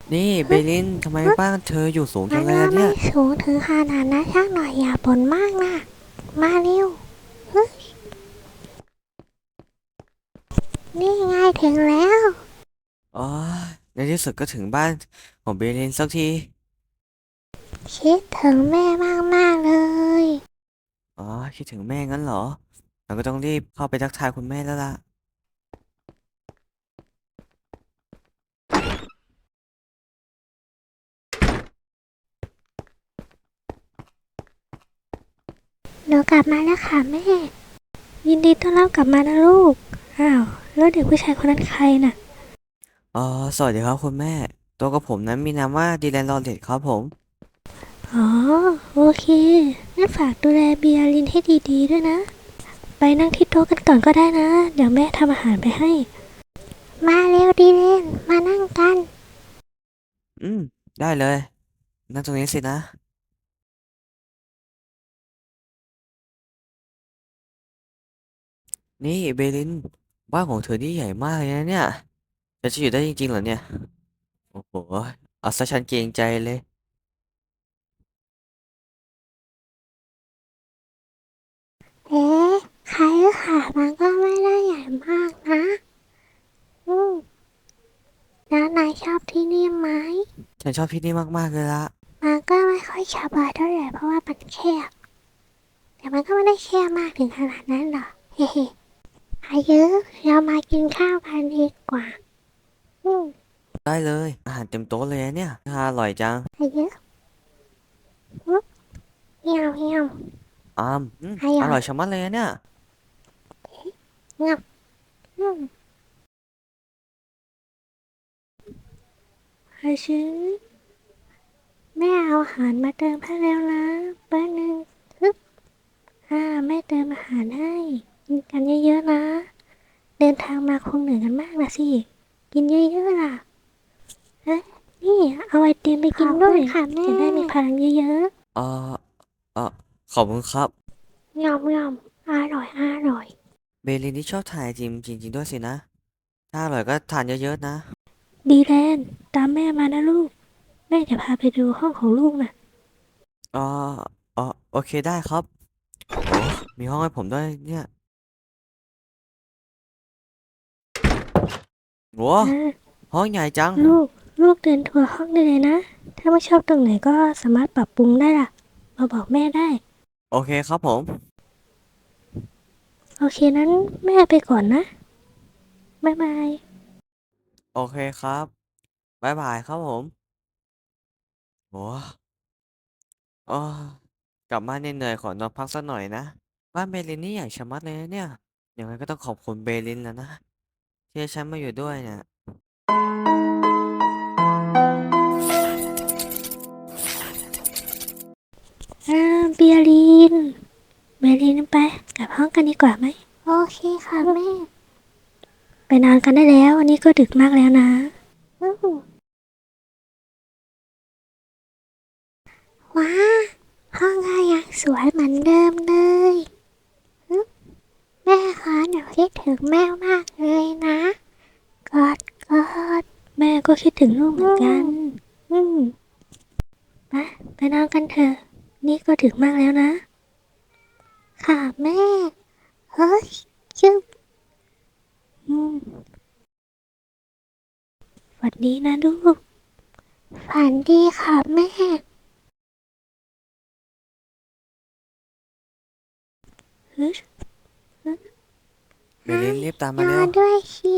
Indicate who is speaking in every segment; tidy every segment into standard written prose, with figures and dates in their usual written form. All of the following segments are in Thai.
Speaker 1: นี่เบ
Speaker 2: ฮึ
Speaker 1: ลินทำไม
Speaker 2: ฮึ
Speaker 1: บ้านเธออยู่สูงจั
Speaker 2: มันก็ไม่
Speaker 1: งเลยอะเนี่ย
Speaker 2: สูงถึงขนาดนั้นสักหน่อยอย่าบ่นมากนะมาเร็วฮึนี่ไงถึงแล้ว
Speaker 1: อ๋อในที่สุดก็ถึงบ้านของเบลินสักที
Speaker 2: คิดถึงแม่มากๆเลย
Speaker 1: อ๋อคิดถึงแม่งั้นเหรอเราก็ต้องรีบเข้าไปทักทายคุณแม่แล้วล่ะ
Speaker 2: หนูกลับมาแล้วค่ะแม่ยินดีต้อนรับกลับมานะลูกอ้าวแล้วเด็กผู้ชายคนนั้นใครน่ะ
Speaker 1: อ๋อสวัสดีครับคุณแม่ตัวกับผมนั้นมีนามว่าดีแลนลอเรตครับผม
Speaker 2: อ๋อโอเคงั้นฝากดูแลเบียร์ลินให้ดีๆด้วยนะไปนั่งที่โต๊ะกันก่อนก็ได้นะเดี๋ยวแม่ทำอาหารไปให้มาเร็วดีเลนมานั่งกัน
Speaker 1: อืมได้เลยนั่งตรงนี้สินะนี่เบลินบ้านของเธอนี่ใหญ่มากเลยนะเนี่ยจะอยู่ได้จริงๆเหรอเนี่ยโอ้โหเอาซะฉันเกรงใจเลย
Speaker 2: เอ๊ะใครหรือค่ะมันก็ไม่ได้ใหญ่มากนะอืมแล้วนายชอบที่นี่ไหม
Speaker 1: ฉันชอบที่นี่มากๆเลยละ
Speaker 2: มันก็ไม่ค่อยสบายเท่าไหร่เพราะว่ามันแคบแต่มันก็ไม่ได้แคบมากถึงขนาดนั้นหรอกเฮ้ๆอายุเรามากินข้าวกันดีกว่าอืม
Speaker 1: ได้เลยอาหารเต็มโต๊ะเลยนะเนี่ยน่าอร่อยจัง
Speaker 2: อายุอืมเหี่ยวเหี่ยวอ
Speaker 1: อ
Speaker 2: ร่อย
Speaker 1: ร่อยชะมัดเลยนะเนี่ย
Speaker 2: เงียบอืมอาชิแม่เอาอาหารมาเติมให้แล้วนะแป๊บนึงฮึบแม่เติมอาหารให้กินกันเยอะๆนะ เดินทางมาคงเหนื่อยกันมากนะสิ กินเยอะๆล่ะเอ๊ะนี่เอาไอติมไปกินด้วยค่ะแม่จะได้มีพลังเยอะ
Speaker 1: เออเออขอบคุณครับ
Speaker 2: ๆยอมยอมอร่อยอร่อย
Speaker 1: เบลินที่ชอบถ่ายไอจิมจริงๆด้วยสินะถ้าอร่อยก็ทานเยอะๆนะ
Speaker 2: ดีแลนตามแม่มานะลูก แม่จะพาไปดูห้องของลูกนะ
Speaker 1: เออโอเคได้ครับโอ้มีห้องให้ผมด้วยเนี่ยโว้
Speaker 2: อ่า
Speaker 1: ห้องใหญ่จัง
Speaker 2: ลูก ลูกเดินทัวร์ห้องได้เลยนะ ถ้าไม่ชอบตรงไหนก็สามารถปรับปรุงได้ล่ะ มาบอกแม่ได้
Speaker 1: โอเคครับผม
Speaker 2: โอเคนั้นแม่ไปก่อนนะบ๊ายบาย
Speaker 1: โอเคครับบ๊ายบายครับผมโอ้โอ้กลับบ้านเหนื่อยๆขอนอนพักสักหน่อยนะบ้านเบลินนี่ใหญ่ชะมัดเลยนะเนี่ยยังไงก็ต้องขอบคุณเบลินแล้วนะที่ให้ฉันมาอยู่ด้วยเนี่ย
Speaker 2: เบียรีนเบียรีนไปกลับห้องกันดีกว่าไหมโอเคค่ะแม่ ไปนอนกันได้แล้ววันนี้ก็ดึกมากแล้วนะอืมว้าห้องก็ยังสวยเหมือนเดิมเลยอืมแม่คะหนูคิดถึงแม่มากเลยนะกอดกอดแม่ก็คิดถึงลูกเหมือนกันอืมไปไปนอนกันเถอะนี่ก็ดึกมากแล้วนะค่ะแม่เฮ้ยจึ๊บอืมฝันดีนะลูกฝันดีค่ะแม่ฮึ
Speaker 1: เบลินรีบตาม
Speaker 2: นอ
Speaker 1: มาเร็ว
Speaker 2: นด้วยสิ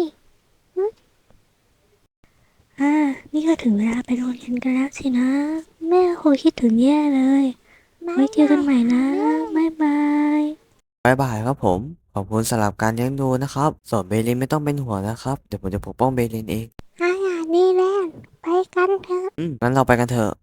Speaker 2: นี่ก็ถึงเวลาไปโรงเรียนกันแล้วสินะ แม่คงคิดถึงแย่เลย ไว้เจอกันใหม่นะบ๊ายบาย
Speaker 1: บ๊ายบายครับผมขอบคุณสำหรับการเลี้ยงดูนะครับส่วนเบลินไม่ต้องเป็นห่วงนะครับเดี๋ยวผมจะปกป้องเบลินเอง
Speaker 2: อาหารดีแล้วไปกันเถอะ
Speaker 1: งั้นเราไปกันเถอะ